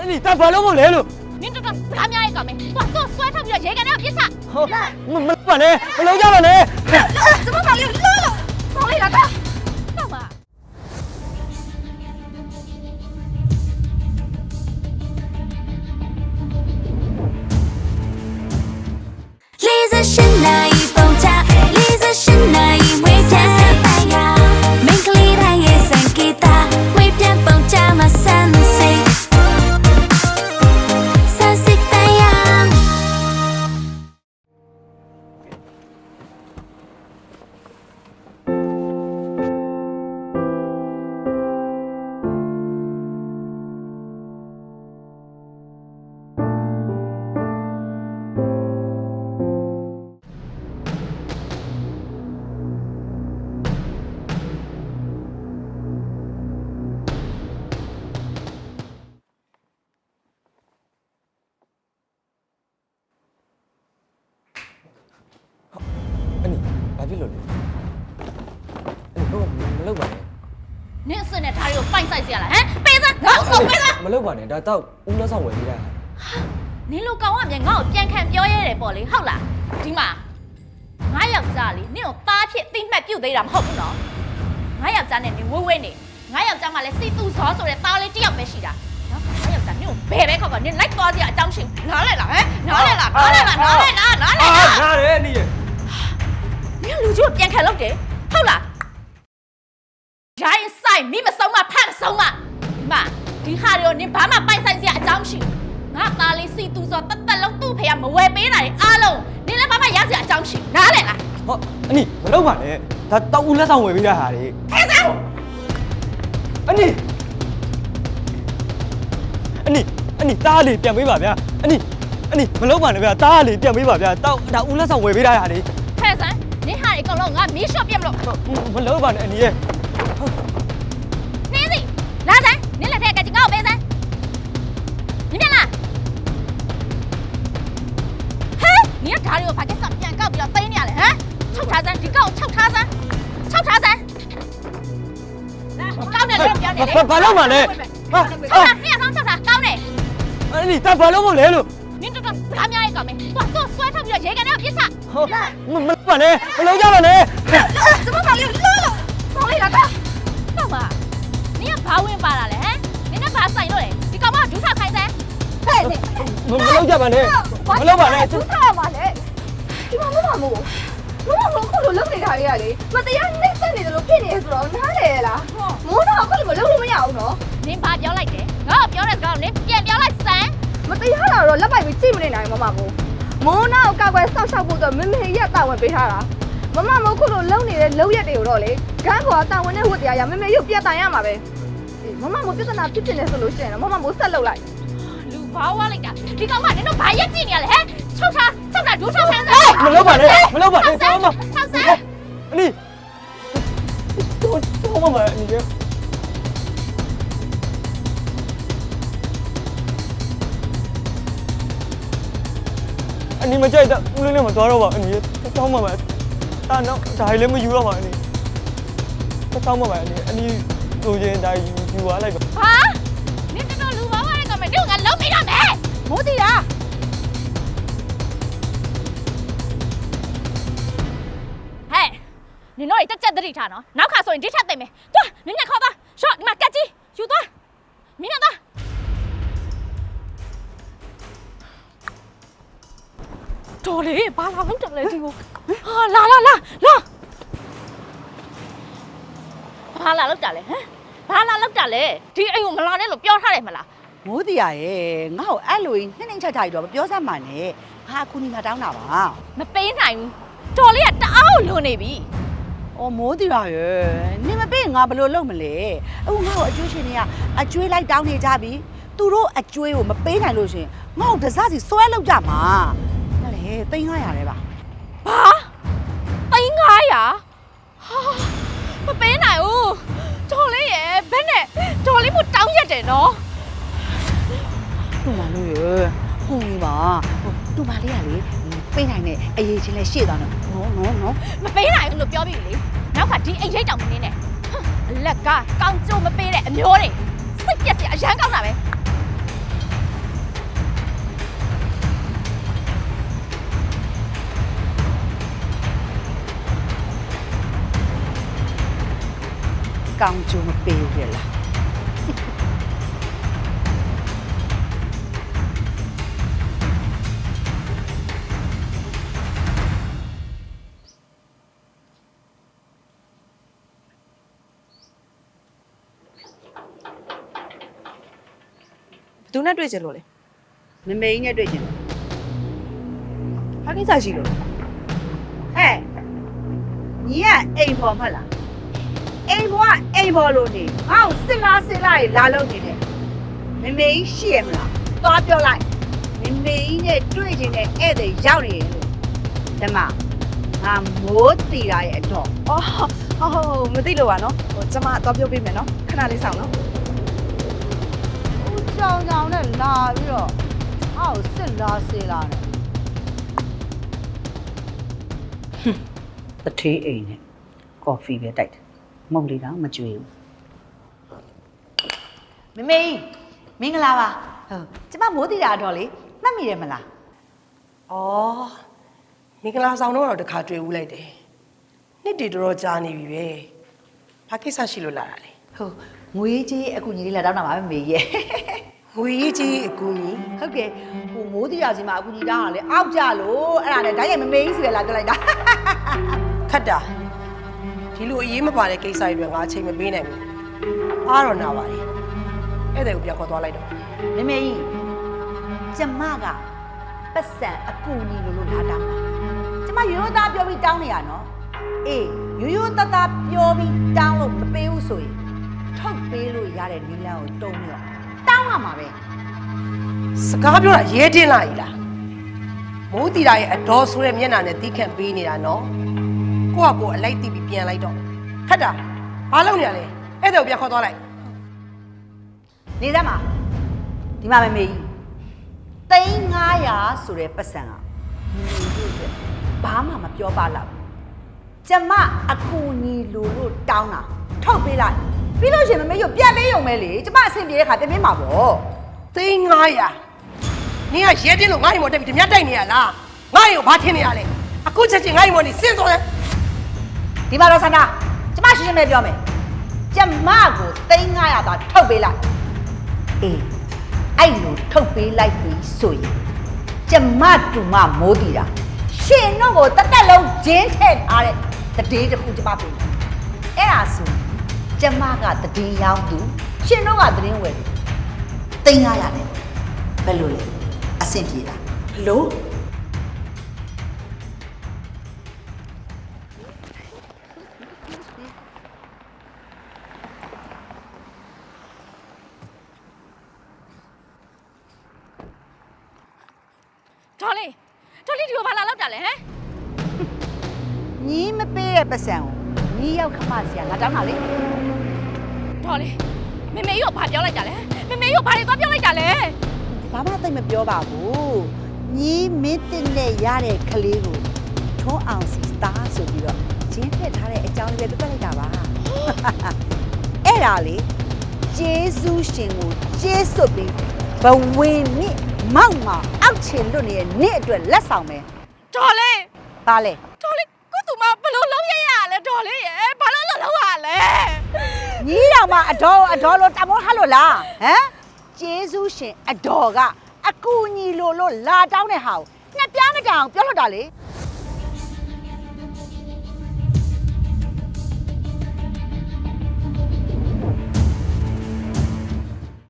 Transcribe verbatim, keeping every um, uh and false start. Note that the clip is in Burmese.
你打翻了我来了。 你这个干咩嚟搞咩？哇，做摔他比较野个那别杀。 好，我没办呢，我老家办呢。 怎么搞的？乐了，搞你了干？干嘛？ 李子是哪一封家？李子是哪一位家？每个礼拜也算给他，为偏逢家嘛三 C， 三 C 太阳。 你，ဘာဖြစ်လို့လဲအဲ့တော့မလုပ်ပါနဲ့နင်းစနဲ့ဒါတွေကိုပိုက်ဆိုင်เสียလားဟမ်ပေးစမ်းငါ့ကိုပေးစမ်းမလုပ်ပါနဲ့ဒါတော့ဦးလက်ဆောင်ဝယ်ပေးတာနင်းလိုကောင်ကမြန်ငါ့ကိုပြန်ခံပြောရဲတယ်ပေါ့လေဟုတ်လားဒီမှာငါယောက်ျားလေနင်းကိုသားဖြစ်တိမှတ်ပြုတ်သေးတာမဟုတ်ဘူးနော်ငါယောက်ျားနဲ့နင်းဝဲဝဲနေငါယောက်ျားမှလည်းစိတ်သူဇောဆိုတဲ့သားလေးတစ်ယောက်ပဲရှိတာနော်ငါယောက်ျားနင်းကိုဘယ်ပဲခေါက်ခေါက်နင်းလိုက်သွားစရာအကြောင်းရှိနားလဲလားဟမ်နားလဲလားနားလဲလားနားလဲလားနားလဲလားနားတယ်နီးရနင်းလူကြီးကိုပြန်ခံလုပ်တယ်ဟုတ်လားရိုင်းဆိုင်မိမဆုံးမဖတ်မဆုံးမဒီမှာဒီဟာတွေကိုနင်ဘာမှပိုက်ဆိုင်စရာအကြောင်းမရှိဘူးငါသားလေးစီသူဆိုတတ်တက်လုံးသူ့ဖေကမဝယ်ပေးနိုင်အားလုံးနင်လည်းဘာမှရစရာအကြောင်းမရှိနားလဲလားဟောအနီမလုပ်ပါနဲ့ဒါတော့ဦးလက်ဆောင်ဝယ်ပေးတာဟာလေထဲစမ်းအနီအနီအနီတားလေးပြန်ပေးပါဗျာအနီအနီမလုပ်ပါနဲ့ဗျာတားလေးပြန်ပေးပါဗျာတော့ဒါဦးလက်ဆောင်ဝယ်ပေးတာဟာလေထဲစမ်းနင်ဟာတွေအကုန်လုံးငါမီးရှော့ပြတ်မလို့မလုပ်ပါနဲ့အနီရဲ့နင်းစီလာစမ်းနင်လက်ထက်ကကြီးငါ့ကိုပေးစမ်းနင်ပြန်လာဟဲ့နင်ကဓာရီကိုဘာကိစ္စပြန်ကောက်ပြီးတော့သိမ်းနေရလဲဟမ်ချုပ်ထားစမ်းဒီကောက်ချုပ်ထားစမ်းချုပ်ထားစမ်းကောက်နေလို့ပြောနေလေဘာလုပ်ပါနဲ့ဟာချုပ်ထားပြန်ဆောင်ချုပ်ထားကောင်းတယ်အနီတားဘာလုပ်မလဲလို့နင်တို့ကဘာများရေးကောင်းမယ်သွားတော့ဆွဲထားပြီးတော့ရေကန်ထဲကိုပြစ်ချဟုတ်မမလုပ်ပါနဲ့မလုပ်ကြပါနဲ့怎么搞的乐了搞你了干干嘛你ကဘာဝင်ပါလာလဲဟမ်နင်ကဘာဆိုင်လို့လဲဒီကောင်မဒူးထောက်ခိုင်းစမ်းဟဲ့နင်မလုပ်ကြပါနဲ့မလုပ်ပါနဲ့ဒုက္ခပါလေဒီမှာမမမို့မမမို့ခုလိုလုပ်နေတာလေးကလေမတရားနှိမ့်ဆက်နေတယ်လို့ဖြစ်နေဆိုတော့နားလေလားမိုးတော့ခုလိုမလုပ်လို့မရဘူးနော်နင်ဘာပြောလိုက်တယ်ငါ့ကိုပြောတဲ့စကားကိုနင်ပြန်ပြောလိုက်စမ်းမတရားတာတော့လက်ပိုက်ပြီးကြည့်မနေနိုင်မမမို့မိုးနောက်ကောက်ကွယ်ဆောက်ရှောက်ဖို့တော့မမေရက်တာဝန်ပေးထားတာမမမို့ခုလိုလုပ်နေတဲ့လုပ်ရက်တွေကိုတော့လေဂန်းကွာတာဝန်နဲ့ဝတ်တရားရမမေရုပ်ပြတ်တိုင်ရမှာပဲမမမို့ပြဿနာဖြစ်ဖြစ်နေဆိုလို့ရှိရင်တော့မမမို့ဆက်လုပ်လိုက်လူဘာဝလိုက်တာဒီကောင်မနင်တို့ဘာရက်ကြည့်နေရလဲဟမ်ချုပ်ထားချုပ်ထားဒူးထောက်ခိုင်းစမ်းမလုပ်ပါနဲ့မလုပ်ပါနဲ့ဆောတော့က်မစမ်းဆောက်စမ်းအနီတော့တော့မမအနီရဲ့အနီမကြိုက်တော့ဦးလေးနဲ့မသွားတော့ပါအနီရဲ့တောင်းပါမယ်တာတော့ဒါလည်းမယူတော့ပါအနီတောင်းပါမယ်အနီအနီလိုချင်ဒါယူယူသွားလိုက်ပါဟာနင်တို့လူဘာဝလိုက်ကောင်မနင်ကငါလုံးမိတော့မယ်မိုးတီတာဟဲ့နင်တို့တက်ချက်တတိထားနော်နောက်ခါဆိုရင်ဒီထက်သိမ့်မယ်သွားနင်ညခေါ်သွားရှော့ဒီမှာကက်ကြီးယူသွားမင်းကတော့တော်လေဘာလာလို့တယ်လဲဒီကိုဟာလာလာလာလာဘာလာလို့တာလဲဟမ်ဘာလာလို့တာလဲဒီအိမ်ကိုမလာနဲ့လို့ပြောထားတယ်မလားမိုးတရားရဲ့ငါ့ကိုအဲ့လိုနှိမ့်နှိမ့်ချာချာကြီးတော့မပြောစမ်းပါနဲ့ငါအခုနီငါတောင်းတာပါမပေးနိုင်ဘူးတော်လေးကတအားကိုလွန်နေပြီ။အော်မိုးတရားရဲ့နင်မပေးငါဘယ်လိုလုပ်မလဲအခုငါ့ကိုအကျွေးရှင်တွေကအကျွေးလိုက်တောင်းနေကြပြီသူတို့အကျွေးကိုမပေးနိုင်လို့ရှင်ငါ့ကိုတစားစီဆွဲလောက်ကြမှာဟဲ့လေသိန်း၅ရာလဲပါဘာသိန်း၅ရာဟာမပေးနိုင်ဘူးတော်လေးရဲ့ဘယ်နဲ့တော်လေးမို့တောင်းရက်တယ်နော်တူမလို့ရဲ့ဟုတ်ပြီပါတူမလေးကလေပေးနိုင်တဲ့အရေးချင်းလဲရှေ့သွားတော့နော်နော်နော်မပေးနိုင်ဘူးလို့ပြောပြီလေနောက်ကဒီအိမ်ရိတ်တောင်မနေနဲ့အလက်ကကောင်းကျိုးမပေးတဲ့အမျိုးတွေစိတ်ပြက်စရာအရန်ကောင်းတာပဲကောင်းကျိုးမပေးဘူးလေလားဘယ်သူနဲ့တွေ့ကြလို့လဲမမေကြီးနဲ့တွေ့ချင်တယ်ဘာကိစ္စရှိလို့လဲဟဲ့ညီကအိမ်ပေါ်မဟုတ်လားအိမ်ပေါ်ကအိမ်ပေါ်လို့နေငါ့ကိုစစ်လားစစ်လားလာလို့နေတယ်မမေကြီးရှိရမလားသွားပြောလိုက်မမေကြီးနဲ့တွေ့ချင်တဲ့ဧည့်သည်ရောက်နေတယ်လို့ဓမ္မငါမိုးတီတာရဲ့အတော့အော်ဟုတ်ဟုတ်မသိလို့ပါနော်ဟိုကျမတော့ပြောပေးမယ်နော်ခဏလေးဆောင်နော်ဦးကြောင်ကြောင်နဲ့လာပြီးတော့အောက်စစ်လားစစ်လားနဲ့တထေးအိမ်နဲ့ကော်ဖီပဲတိုက်တယ်မုံလေးတော့မကြွေဘူးမမေကြီးမင်္ဂလာပါဟုတ်ကျမမိုးတီတာတော့လေမှတ်မိတယ်မလား။အော်မင်္ဂလာဆောင်တော့တော့တခါတွေ့ဦးလိုက်တယ်။နှစ်တည်တော်တော်ကြာနေပြီပဲ။ဘာကိစ္စရှိလို့လာတာလဲဟုတ်ငွေကြီးအကူကြီးလေးလာတောင်းတာပါမမေကြီးရဲ့။ငွေကြီးအကူကြီးဟုတ်ကဲ့ဟိုမိုးတီတာစီမှာအကူကြီးတောင်းတာလေအောက်ကြလို့အဲ့ဒါနဲ့ဓာတ်ရိုက်မမေကြီးစီပဲလာပြောလိုက်တာခတ်တာဒီလိုအရေးမပါတဲ့ကိစ္စတွေငါအချိန်မပေးနိုင်ဘူး။အားတော့နာပါတယ်။အဲ့ဒါကိုပြန်ခေါ်သွားလိုက်တော့မမေကြီးကျမကပတ်စံအကူကြီးလို့လို့လာတောင်းတာကျမရိုးရိုးသားပြောပြီးတောင်းနေရနော်အေးရိုးရိုးသားသားပြောပြီးတောင်းလို့မပေးဘူးဆိုရင်ထုတ်ပေးလို့ရတဲ့နီလန်းကိုတုံးရောတောင်းရမှာပဲစကားပြောတာရဲတင်းလာ ਈ လား။မိုးတီတာရဲ့အတော်ဆိုတဲ့မျက်နှာနဲ့တီးခန့်ပေးနေတာနော်။ကိုကကိုအလိုက်တီးပြီးပြန်လိုက်တော့ခတ်တာဘာလုပ်နေရလဲ။အဲ့ဒါကိုပြန်ခေါ်သွားလိုက်နေစမ်းပါဒီမှာမမေကြီးသိန်းငါးရာဆိုတဲ့ပတ်စံကမမေကြီးအတွက်ဘာမှမပြောပါလောက်ကျမအကူကြီးလို့လို့တောင်းတာထုတ်ပေးလိုက်ပြီးလို့ရှိရင်မမေကြီးပြန်ပေးရုံပဲလေကျမအဆင်ပြေတဲ့ခါပြန်ပေးမှာပေါ့။သိန်းငါးရာနင်ကရဲတင်းလို့ငါ့ရင်မတက်ပြီးဓမြတိုက်နေရလား။ငါ့ရင်ကိုဘာထင်နေရလဲ။အခုချက်ချင်းငါ့ရင်မနေစင့်သွားတယ်ဒီမှာတော့ဆန္ဒကျမရှင်းရှင်းပဲပြောမယ်ကျမကိုသိန်းငါးရာသာထုတ်ပေးလိုက်အေးအဲ့လိုထုတ်ပေးလိုက်ပြီဆိုရင်ကျမတူမမိုးတီတာရှင်တော့ကိုတက်တက်လုံးဂျင်းထည့်ထားတဲ့တည်တစ်ခုကျမပေးမယ်အဲ့ဒါဆိုကျမကတည်ရောင်းသူရှင်တော့ကတည်ဝယ်သူသိန်းငါးရာနဲ့ဘယ်လိုလဲအဆင်ပြေလားဘလို့ဒေါ်လေးဒေါ်လေးဒီကိုဘာလာလောက်တာလဲဟမ်ညီမပေးတဲ့ပတ်စံကိုညီရောက်ခမစီကငါတောင်းတာလေဒေါ်လေးမမေကြီးကဘာပြောလိုက်တာလဲမမေကြီးကဘာတွေသွားပြောလိုက်တာလဲဘာမှသိမပြောပါဘူးညီမင်းတင်နဲ့ရတဲ့ကလေးကိုထုံးအောင်စီစတာဆိုပြီးတော့ဂျင်းထည့်ထားတဲ့အကြောင်းလေးပဲပြလိုက်တာပါအဲ့ဒါလေကျေးဇူးရှင်ကိုကျေးဇူးပြီးဘဝင်မြင့်မောက်မှာအောက်ချင်လွတ်နေတဲ့နေ့အတွက်လက်ဆောင်ပဲဒေါ်လေးပါလေဒေါ်လေးကိုသူမဘလို့လုံးရရလဲဒေါ်လေးရဲ့ဘာလို့လုံးလုံးရလဲညီတော်မအတော်အတော်လို့တမောထားလို့လားဟမ်ကျေးဇူးရှင်အတော်ကအကူညီလို့လို့လာတောင်းတဲ့ဟာကိုငှက်ပြားမတောင်ပြောလို့တာလေ